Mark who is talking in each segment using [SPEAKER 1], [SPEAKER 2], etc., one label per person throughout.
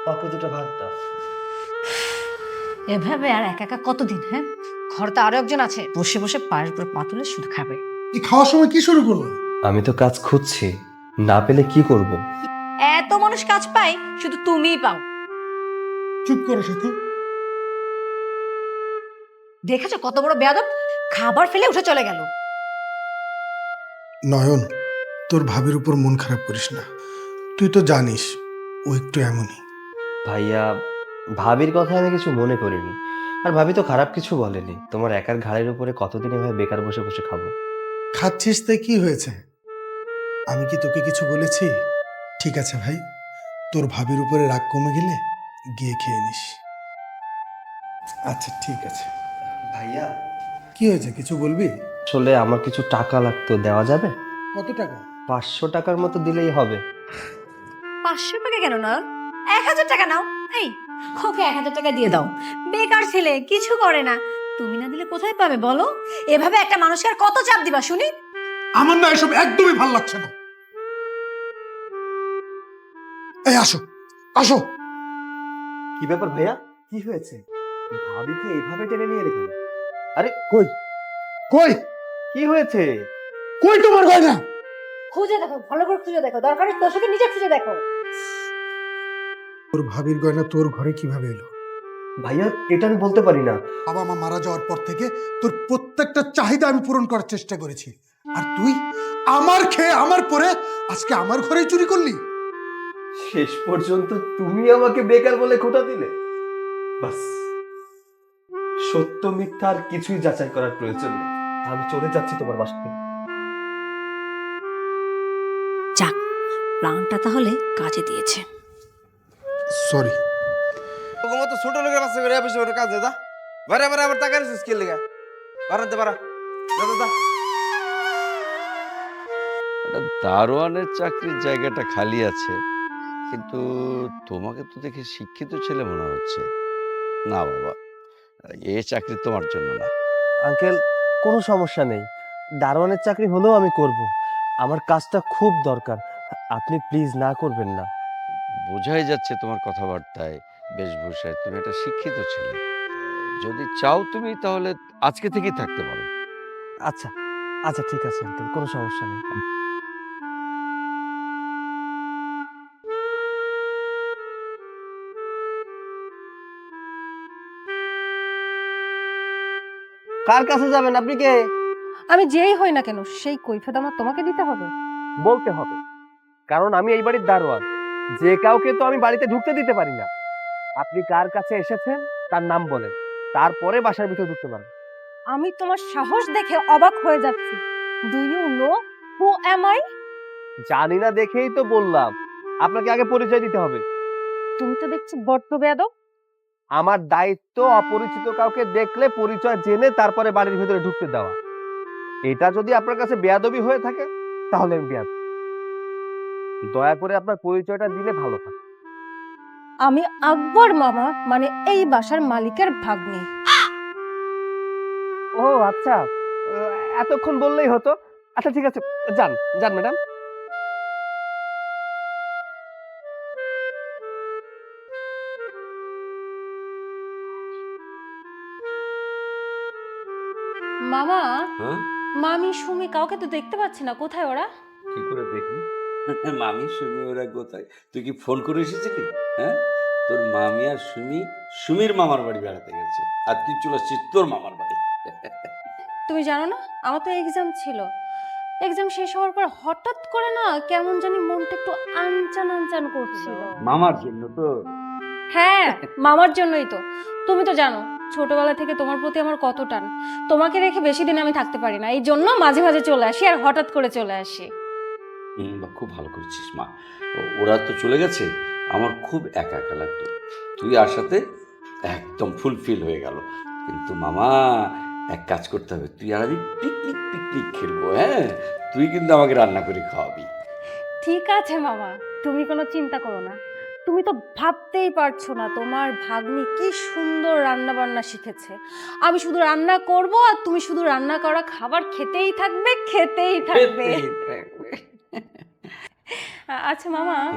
[SPEAKER 1] ওকে দুটো ভাত দাও।
[SPEAKER 2] এভাবে আর একা একা কতদিন? হ্যাঁ, ঘরতে আরো একজন আছে, বসে বসে পায়ের উপর পা তুলে শুধু খাবে।
[SPEAKER 3] এই খাওয়ার সময় কি শুরু করলো?
[SPEAKER 1] আমি তো কাজ খুঁজছি, না পেলে কি করব?
[SPEAKER 2] এত মানুষ কাজ পায়, শুধু তুমিই পাও।
[SPEAKER 3] চুপ করো সাথী।
[SPEAKER 2] দেখেছো কত বড় বেয়াদব, খাবার ফেলে উঠে চলে গেল।
[SPEAKER 3] নয়ন, তোর ভাবির উপর মন খারাপ করিস না। তুই তো জানিস ও একটু এমনই।
[SPEAKER 1] ভাইয়া, ভাবির কথা আমি কিছু মনে করিনি। আর ভাবি তো খারাপ কিছু বলেনি। তোমার একার ঘাড়ের উপরে কতদিন এভাবে বেকার বসে বসে খাবো?
[SPEAKER 3] খাচ্ছিস তাই কি হয়েছে? আমি কি তোকে কিছু বলেছি? ঠিক আছে ভাই, তোর ভাবির উপরে রাগ কমে গেলে গিয়ে খেয়ে নিস। আচ্ছা ঠিক আছে।
[SPEAKER 1] ভাইয়া,
[SPEAKER 3] কি হয়েছে, কিছু বলবি?
[SPEAKER 1] আসলে আমার কিছু টাকা লাগতো, দেওয়া যাবে?
[SPEAKER 3] কত টাকা?
[SPEAKER 1] 500 টাকার মতো দিলেই হবে।
[SPEAKER 2] 500 টাকা কেন না, 1000 টাকা নাও। এই, ওকে 1000 টাকা দিয়ে দাও। বেকার ছেলে, কিছু করে না। তুমি না দিলে কোথায় পাবে বলো? এভাবে একটা মানুষকে আর কত চাপ দিবা শুনি?
[SPEAKER 3] আমার না এসব একদমই ভাল লাগছে না। এই আসো, আসো।
[SPEAKER 1] কি ব্যাপার ভাইয়া, কি হয়েছে? ভাবিকে এইভাবে টেনে নিয়ে এলে কেন? আরে
[SPEAKER 3] কই কই
[SPEAKER 1] কি হয়েছে?
[SPEAKER 3] কই তোমার গয়না?
[SPEAKER 2] খুঁজে দেখো, ভালো করে খুঁজে দেখো, দরকার তোর সাথে নিজে খুঁজে দেখো।
[SPEAKER 3] তোর ভাবির গয়না তোর ঘরে কিভাবে এলো?
[SPEAKER 1] ভাইয়া, এটা আমি বলতে পারি না।
[SPEAKER 3] বাবা মা মারা যাওয়ার পর থেকে তোর প্রত্যেকটা চাহিদা আমি পূরণ করার চেষ্টা করেছি, আর তুই আমার খেয়ে আমার পরে আজকে আমার ঘরেই চুরি করলি।
[SPEAKER 1] শেষ পর্যন্ত তুমি আমাকে বেকার বলে খোঁটা দিলে। বাস, সত্য মিথ্যা আর কিছুই যাচাই করার প্রয়োজন নেই। আমি চলে যাচ্ছি তোমার বাসা থেকে।
[SPEAKER 2] যাক, প্ল্যানটা তাহলে কাজে দিয়েছে।
[SPEAKER 3] সরি।
[SPEAKER 4] তোর মতো ছোট লোকের বাচ্চা করে বসে ওটা কাজ দা বারে বারে আবার টাকা রিসিস কে লেগা বারাতে বারা দাদা
[SPEAKER 5] একটা দারোয়ানের চাকরির জায়গাটা খালি আছে, কিন্তু তোমাকে তো দেখে শিক্ষিত ছেলে মনে হচ্ছে। না বাবা, এ চাকরি তোমার জন্য না।
[SPEAKER 1] আঙ্কেল, কোনো সমস্যা নেই। দারোয়ানের চাকরি হলেও আমি করব। আমার কাজটা খুব দরকার। আপনি প্লিজ না করবেন না।
[SPEAKER 5] বোঝাই যাচ্ছে তোমার কথাবার্তায়, বেশভূষায় তুমি একটা শিক্ষিত ছেলে। যদি চাও তুমি তাহলে আজকে থেকেই থাকতে পারো।
[SPEAKER 1] আচ্ছা আচ্ছা, ঠিক আছে আঙ্কেল, কোনো সমস্যা নেই। কার কাছে যাবেন? আপনি কে?
[SPEAKER 6] আমি যেই হই না কেন, সেই কৈফিয়ত আমার তোমাকে দিতে হবে?
[SPEAKER 1] বলতে হবে, কারণ আমি এই বাড়ির দারোয়ান। যে কাউকে তো আমি বাড়িতে ঢুকতে দিতে পারি না। আপনি কার কাছে এসেছেন তার নাম বলেন, তারপরে বাসার ভিতরে ঢুকতে পারবেন।
[SPEAKER 6] আমি তোমার সাহস দেখে অবাক হয়ে যাচ্ছি। Do you know who am I?
[SPEAKER 1] জানি না দেখেই তো বললাম, আপনাকে আগে পরিচয় দিতে হবে।
[SPEAKER 6] তুমি তো দেখছি বড্ড বেয়াদব।
[SPEAKER 1] আমার দায়িত্ব অপরিচিত কাউকে দেখলে পরিচয় জেনে তারপরে বাড়ির ভিতরে ঢুকতে দেওয়া। এটা যদি আপনার কাছে বেয়াদবি হয়ে থাকে তাহলে আমি বেয়াদব। দয়া করে আপনার পরিচয়টা দিলে ভালো হয়।
[SPEAKER 6] আমি আকবর মামা, মানে এই বাসার মালিকের ভাগ্নি।
[SPEAKER 1] ও আচ্ছা, এতক্ষণ বললেই হতো। আচ্ছা ঠিক আছে, যান যান ম্যাডাম।
[SPEAKER 6] মামা,
[SPEAKER 7] হ্যাঁ,
[SPEAKER 6] মামি সুমি কাউকে তো দেখতে পাচ্ছি না, কোথায় ওরা?
[SPEAKER 7] কি করে দেখবি? মামি সুমি ওরা কোথায়? তুই কি ফোন করে এসেছিলি? হ্যাঁ, তোর মামি আর সুমি সুমির মামার বাড়ি বেড়াতে গেছে, আর তুই চলে আসছিস তোর মামার বাড়ি।
[SPEAKER 6] তুমি জানো না, আমার তো এক্সাম ছিল। এক্সাম শেষ হওয়ার পর হঠাৎ করে না কেমন জানি মনটা একটু আনচান আনচান করছিল।
[SPEAKER 7] মামার জন্য তো।
[SPEAKER 6] হ্যাঁ, মামার জন্যই তো। তুমি তো জানো ছোটবেলা থেকে তোমার প্রতি আমার কত টান। তোমাকে রেখে বেশি দিন আমি থাকতে পারি না, এই জন্য মাঝে মাঝে চলে আসি, আর হঠাৎ করে চলে আসি।
[SPEAKER 7] বা খুব ভালো করেছিস মা। ওরা তো চলে গেছে, আমার খুব একা একা লাগতো। তুই আসাতে একদম ফুলফিল হয়ে গেল। কিন্তু মামা, এক কাজ করতে হবে, তুই আর আমি পিকনিক পিকনিক খেলবো। হ্যাঁ, তুই কিন্তু আমাকে রান্না করে খাওয়াবি।
[SPEAKER 6] ঠিক আছে মামা, তুমি কোনো চিন্তা করো না। তুমি তো ভাবতেই পারছো না তোমার ভাগ্নি কি সুন্দর রান্না বান্না শিখেছে। আমি শুধু রান্না করব, আর তুমি শুধু রান্না করা খাবার খেতেই থাকবে, খেতেই থাকবে।
[SPEAKER 7] খেতেই থাকবে।
[SPEAKER 6] আচ্ছা মামা,
[SPEAKER 7] হ্যাঁ?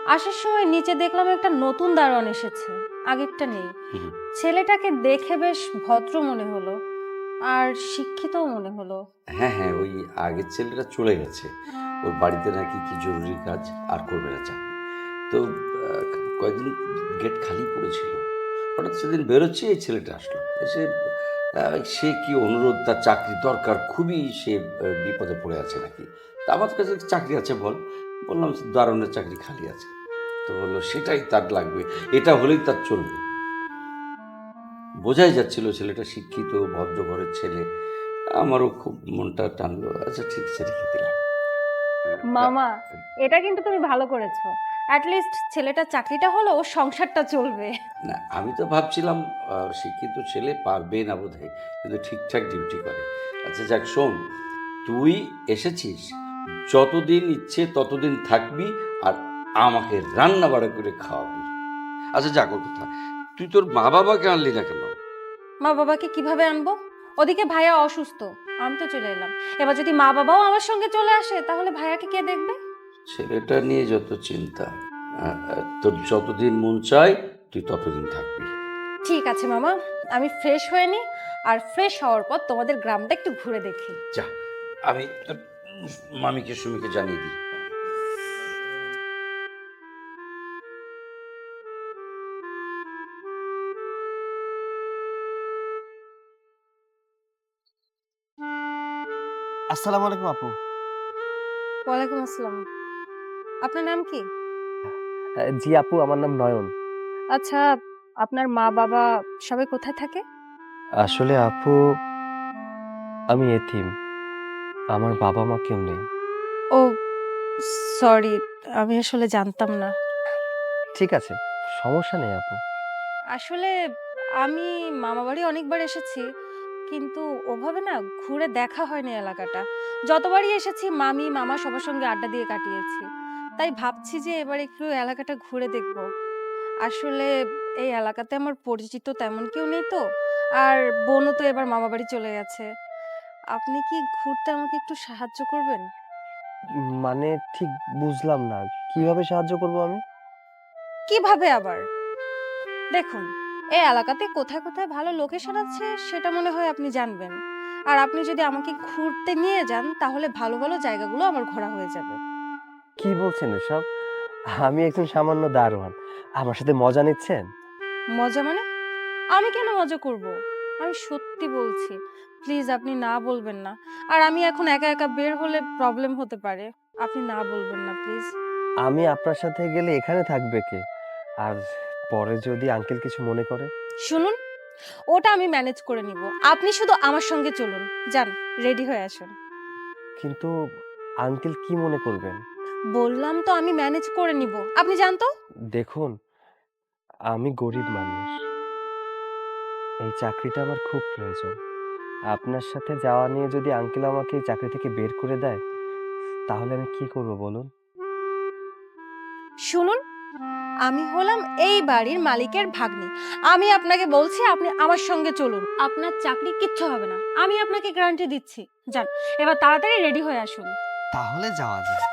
[SPEAKER 6] আসার সময় নিচে দেখলাম একটা নতুন দারোয়ান এসেছে, আগেরটা নেই।
[SPEAKER 7] হুম।
[SPEAKER 6] ছেলেটাকে দেখে বেশ ভদ্র মনে হলো আর শিক্ষিতও মনে হলো।
[SPEAKER 7] হ্যাঁ হ্যাঁ, ওই আগের ছেলেটা চলে গেছে, ওর বাড়িতে নাকি কি জরুরি কাজ, আর করবে না চাকরি। তো কয়েকদিন গেট খালি পড়েছিল, হঠাৎ সেদিন বেরোচ্ছে এই ছেলেটা আসলো, এসে সে কি অনুরোধ, তার চাকরি দরকার খুবই, সে বিপদে পড়ে আছে নাকি। তা আমার কাছে চাকরি আছে বল, বললাম দারুণের চাকরি খালি আছে। তো বললো সেটাই তার লাগবে, এটা হলেই তার চলবে। বোঝাই যাচ্ছিল ছেলেটা শিক্ষিত ভদ্র ঘরের ছেলে, আমারও খুব মনটা টানলো। আচ্ছা ঠিক আছে, রেখে দিলাম।
[SPEAKER 6] মামা, এটা কিন্তু তুমি ভালো করেছো। অ্যাটলিস্ট ছেলেটার চাকরিটা হলো, ওর সংসারটা চলবে।
[SPEAKER 7] না, আমি তো ভাবছিলাম শিক্ষিত ছেলে পারবে না বোধহয়, কিন্তু ঠিকঠাক ডিউটি করে। আচ্ছা যাক, শোন, তুই এসেছিস, যতদিন ইচ্ছে ততদিন থাকবি, আর আমাকে রান্না বাড়া করে খাওয়াবি। আচ্ছা যাক, ওর কথা, তুই তোর মা বাবাকে আনলি না কেন?
[SPEAKER 6] মা বাবাকে কিভাবে আনবো? ওদিকে ভাইয়া অসুস্থ, আমি তো চলে এলাম। এবার যদি মা বাবাও আমার সঙ্গে চলে আসে, তাহলে ভাইয়াকে কে দেখবে?
[SPEAKER 7] ছেলেটা নিয়ে যত চিন্তা, তোর যতদিন মন চায় তুই ততদিন থাকবি।
[SPEAKER 6] ঠিক আছে মামা, আমি ফ্রেশ হয়ে নিই, আর ফ্রেশ হওয়ার পর তোমাদের গ্রামটা একটু ঘুরে দেখি।
[SPEAKER 7] যা, আমি তোর মামিকে সুমিকে জানিয়ে দিই।
[SPEAKER 1] আসসালামু আলাইকুম আপু।
[SPEAKER 6] ওয়ালাইকুম আসসালাম। আপনার নাম কি?
[SPEAKER 1] জি আপু, আমার নাম নয়ন।
[SPEAKER 6] আচ্ছা, আপনার মা বাবা সবাই কোথায় থাকে?
[SPEAKER 1] আসলে আপু, আমি এতিম, আমার বাবা মা কেউ নেই।
[SPEAKER 6] ও সরি, আমি আসলে জানতাম না।
[SPEAKER 1] ঠিক আছে, সমস্যা নেই আপু।
[SPEAKER 6] আসলে আমি মামা বাড়ি অনেকবার এসেছি, কিন্তু ওভাবে না ঘুরে দেখা হয়নি এলাকাটা। যতবারই এসেছি মামি মামা সবার সঙ্গে আড্ডা দিয়ে কাটিয়েছি। তাই ভাবছি যে এবার একটু এলাকাটা ঘুরে দেখব। আসলে এই এলাকাতে আমার পরিচিত তেমন কেউ নেই তো, আর বোনও তো এবার মামা বাড়ি চলে গেছে। আপনি কি ঘুরতে আমাকে একটু সাহায্য করবেন?
[SPEAKER 1] মানে ঠিক বুঝলাম না, কিভাবে সাহায্য করব আমি?
[SPEAKER 6] কিভাবে আবার? দেখুন, এই এলাকাতে কোথায় কোথায় ভালো লোকেশন আছে সেটা মনে হয় আপনি জানবেন। আর আপনি যদি আমাকে ঘুরতে নিয়ে যান, তাহলে ভালো ভালো জায়গাগুলো আমার ঘোরা হয়ে যাবে।
[SPEAKER 1] কি বলছেন এসব? আমি একজন সামান্য দারোয়ান, আমার সাথে মজা নিচ্ছেন?
[SPEAKER 6] মজা মানে? আমি কেন মজা করব? আমি সত্যি বলছি। প্লিজ আপনি না বলবেন না। আর আমি এখন একা একা বের হলে প্রবলেম হতে পারে। আপনি না বলবেন না প্লিজ।
[SPEAKER 1] আমি আপনার সাথে গেলে এখানে থাকবে কে? আর পরে যদি আঙ্কেল কিছু মনে করে?
[SPEAKER 6] শুনুন, ওটা আমি ম্যানেজ করে নিব। আপনি শুধু আমার সঙ্গে চলুন। যান, রেডি হয়ে আসুন।
[SPEAKER 1] কিন্তু আঙ্কেল কি মনে করবেন?
[SPEAKER 6] বললাম তো আমি ম্যানেজ করে নিব। আপনি যান তো।
[SPEAKER 1] দেখুন, আমি গরিব মানুষ, এই চাকরিটা আমার খুব প্রয়োজন। আপনার সাথে যাওয়া নিয়ে যদি আঙ্কেল আমাকে এই চাকরি থেকে বের করে দেয়, তাহলে আমি কি করব বলুন?
[SPEAKER 6] শুনুন, আমি হলাম এই বাড়ির মালিকের ভাগ্নি। আমি আপনাকে বলছি আপনি আমার সঙ্গে চলুন। আপনার চাকরি কিচ্ছু হবে না, আমি আপনাকে গ্যারান্টি দিচ্ছি। যান, এবার তাড়াতাড়ি রেডি হয়ে আসুন।
[SPEAKER 1] তাহলে যাওয়া যায়।